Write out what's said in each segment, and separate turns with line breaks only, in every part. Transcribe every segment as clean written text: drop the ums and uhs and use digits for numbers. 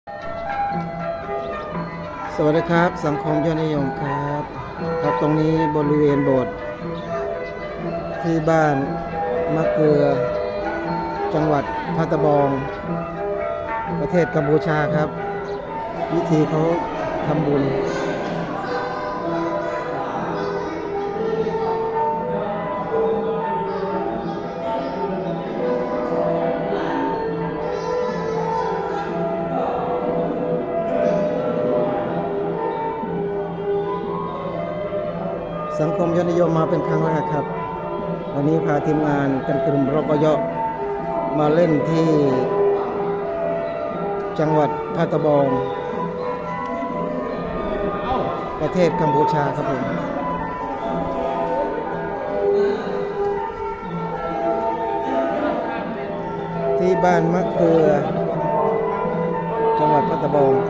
สวัสดีครับสังคมยอดนิยมครับครับตรงนี้บริเวณโบสถ์ที่บ้านมะเกลือจังหวัดพัทบองประเทศกัมพูชาครับวิธีเขาทำบุญสังคมยอดนิยมมาเป็นครั้งแรกครับวันนี้พาทีมงานกันกลุ่มรกยมาเล่นที่จังหวัดพัทบองประเทศกัมพูชาครับผมที่บ้านมะเกลือจังหวัดพัทบอง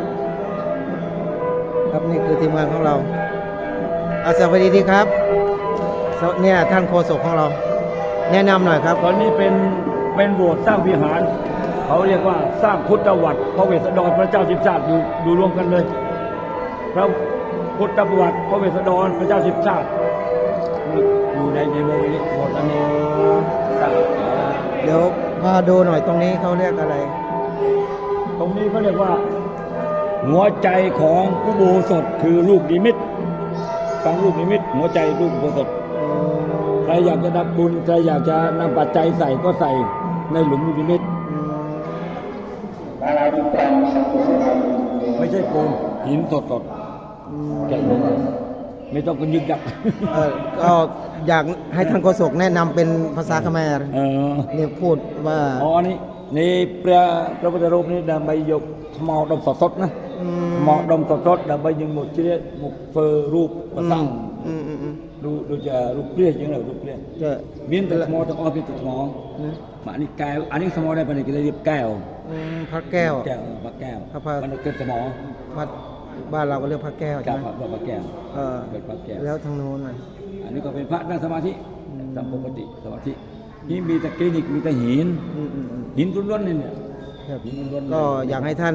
ครับนี่คือทีมงานของเราสวัสดีครับเนี่ยท่านโฆษกของเราแนะนำหน่อยครับ
ตอนนี้เป็นโบสถ์สร้างวิหารเขาเรียกว่าสร้างพุทธวัตรพระเวสสันดรพระเจ้าสิบชาติอยู่รวมกันเลยพระพุทธวัตรพระเวสสันดรพระเจ้าสิบชาติอยู่ในโบสถ์นี้โบสถ์อันนี้
เดี๋ยวพาดูหน่อยตรงนี้เขาเรียกอะไร
ตรงนี้เขาเรียกว่าหัวใจของอุโบสถคือลูกนิมิตฟังลูกนิมิตหัวใจลูกอุโบสถใครอยากจะดับบุญใครอยากจะนำปัจจัยใส่ก็ใส่ในหลุมลูกนิมิตไม่ใช่ปูนหินสดๆแกะลงไม่ต้องกันยึกยัก
ก็อยากให้ท่านโฆษกแนะนำเป็นภาษาเขมรเนี่ยพูดว่า
อ๋อนี่พระพุทธรูปนี่ดำใบยกหมอดมสดๆนะหมอดมสดๆดำใบยังหมดชีวิตหมกเฟอร์รูปประสังดูจะรูปเปรี้ยยังไงรูปเปรี้ยเมียนแต่หมอต้องอ้อเป็นตัวหมอมาอันนี้แก้วอันนี้สมอได้ปะนี่ก็เลยเรียกแก้ว
พระแก้ว
พระแก้ว
มัน
เกิดสมอ
บ้านเราก็เรียกพระแก้วใช่ไหม
พระแก้วเป็นพระแก้ว
แล้วทางโน้น
อันนี้ก็เป็นพระนั่งสมาธิตามปกติสมาธินี่มีแต่คลินิกมีแต่หินล้วนๆนี่เนี่ย
ก็อยากให้ท่าน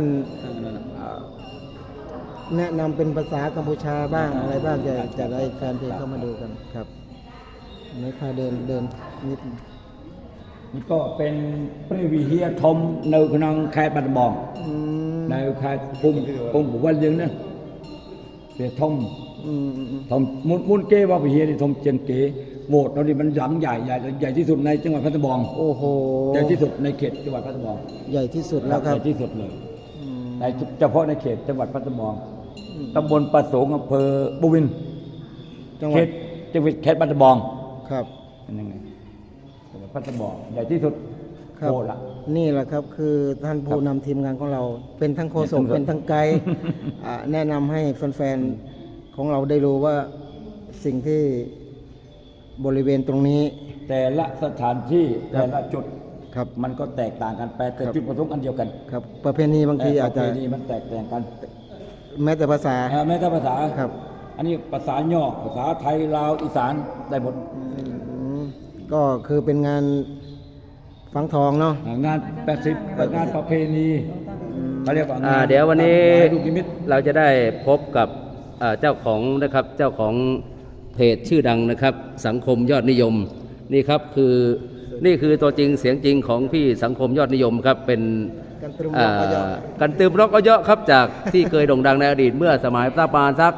แนะนำเป็นภาษากัมพูชาบ้างอะไรบ้างจะได้แฟนเพลงเข้ามาดูกันครับไม่ค่าเดินนิด
นี่ก็เป็นพระวิหารธมในขนมแคบัตบองในแคปุ่มบุวันยังนะเป็นธมมุนเกว่าวิหารธมเจนเกโบสถ์เรานี่มันหลังใหญ่ที่สุดในจังหวัดพัทบอง
โอ้โห
ใหญ่ที่สุดในเขตจังหวัดพัทบอง
ใหญ่ที่สุดแล้วครับ
ใหญ่ที่สุดเลยในเฉพาะในเขตจังหวัดพัทบองตำบลประสงค์อำเภอบุวินเขตจังหวัดเขตพัทบอง
ครับ
เป็นยังไงจังหวัดพัทบองใหญ่ที่สุด
ครับนี่แหละครับคือท่านผู้นำทีมงานของเราเป็นทั้งโฆษกเป็นทั้งไกด์แนะนำให้แฟนๆของเราได้รู้ว่าสิ่งที่บริเวณตรงนี้
แต่ละสถานที่แต่ละจุด
ครับ
มันก็แตกต่างกันไปแต่จุดประสงค์อันเดียวกัน
ครับประเพณีบางทีอาจจะ
มันแตกต่างกัน
แม้แต่ภาษา
ครับอันนี้ภาษาย่อภาษาไทยลาวอีสานได้หมด
ก็คือเป็นงานฝังทองเนาะ
งาน80งานประเพณีเขาเรียกว่า
เดี๋ยววันนี้เราจะได้พบกับเจ้าของนะครับเจ้าของเพจชื่อดังนะครับสังคมยอดนิยมนี่ครับนี่คือตัวจริงเสียงจริงของพี่สังคมยอดนิยมครับเป็น
กันตืมร็
อกก็เยอะครับจากที่เคยโด่งดังในอดีตเมื่อสมัยประมาณสัก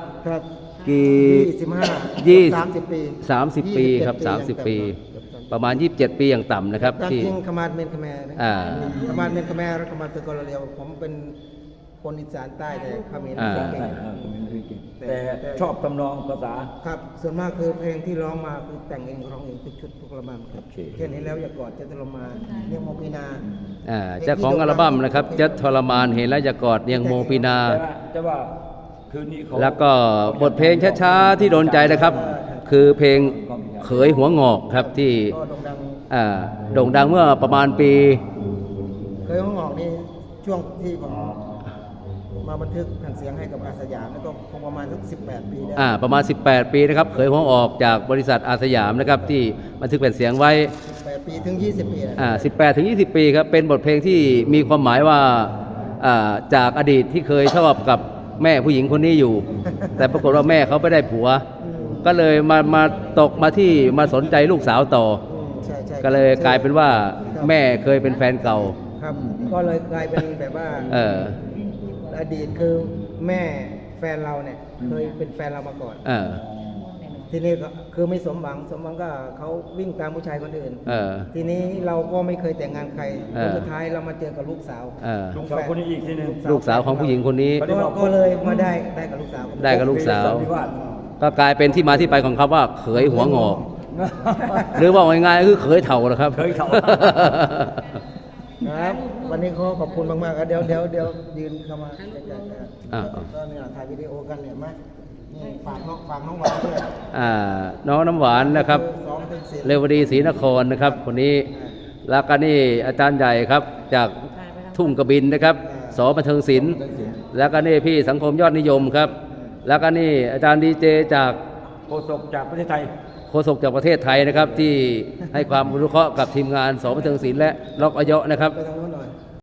กี่
30 ปีครับ30 ปีประมาณ27 ปีอย่างต่ำนะครับ
ที่ขมาดเมนขแมร์ขมาดเมนขแมร์ขมาดตะกรเรียวผมเป็นคนอีสานใต้แต่ขมิ้นเก่ง
แต่ชอบตำนองภาษา
ครับส่วนมากคือเพลงที่ร้องมาคือแต่งเองร้องเองทุกชุดทุกอัลบั้มครับแค่นี้แล้วอย่ากอดจะทรมานเนียงโมปีนา
เจ้าของอัลบั้มนะครับจะทรมานเห็นแล้วอย่ากอดเนียงโมปีนา
จะว่าคืนนี้
แล้วก็บทเพลงช้าๆที่โดนใจนะครับคือเพลงเขยหัวงอกครับที่โด่งดังเมื่อประมาณปี
เขยหัวงอกนี่ช่วงที่ผมมาบันทึกแผ่นเสียงให้กับอาสยามแล้วก็คงประมาณสัก18 ปีได้
ประมาณ18 ปีนะครับเขยหัวออกจากบริษัทอาสยามนะครับที่บันทึกแผ่นเสียงไว้
18 ปีถึง20 ปี
18 ถึง 20 ปีครับเป็นบทเพลงที่มีความหมายว่าจากอดีตที่เคยชอบกับแม่ผู้หญิงคนนี้อยู่ แต่ปรากฏว่าแม่เขาไม่ได้ผัว ก็เลยมาตกมาที่มาสนใจลูกสาวต่อ
ใช่ใช่
ก็เลยกลายเป็นว่าแม่เคยเป็นแฟนเก่า
ครับ ก็เลยกลายเป็นแบบว่า
เออ
อดีตคือแม่แฟนเราเนี่ยเคยเป็นแฟนเรามาก่อน
เออ
ทีนี้ก็คือไม่สมหวังก็เขาวิ่งตามผู้ชายคนอื่น
เออ
ทีนี้เราก็ไม่เคยแต่งงานใคร
เออ
สุดท้ายเรามาเจอกับลูกสาว
เออ
ลูกสาวคนนี้อีกทีหนึง
ลูกสาวของผู้หญิงคนนี้
ก็เลยมาได้กับลูกสาว
ได้กับลูกสาว
วิวาท
ก็กลายเป็นที่มาที่ไปของคำว่าเขยหัวงอก หรือว่าง่ายๆก็คือเขยเถ่านะครับ
เขยเฒ่า
ครับ วันนี้ขอบคุณมากๆเดี๋ยวยืนเข้ามาใกล้ๆกัน
อ่า
ก็เนี่ยถ่ายวิดีโอกันเนี่ยมานี่ฝากน้องหวานด้วย
น้องน้ำหวานนะครับ
ซ้อมเป็นศิลป์
เรวดีศรีนครนะครับคนนี้แล้วก็นี่อาจารย์ใหญ่ครับจากทุ่งกระบินนะครับสบันเทิงศิลป์แล้วก็นี่พี่สังคมยอดนิยมครับ แล้วก็นี่อาจารย์ดีเจจาก
โฆษกจากประเทศไทย
โฆษกจากประเทศไทยนะครับ ที่ให้ความรู้เคราะห์กับทีมงานสบันเทิงศิลป์และล็อกอเยาะนะครับ
ไปทางโน้น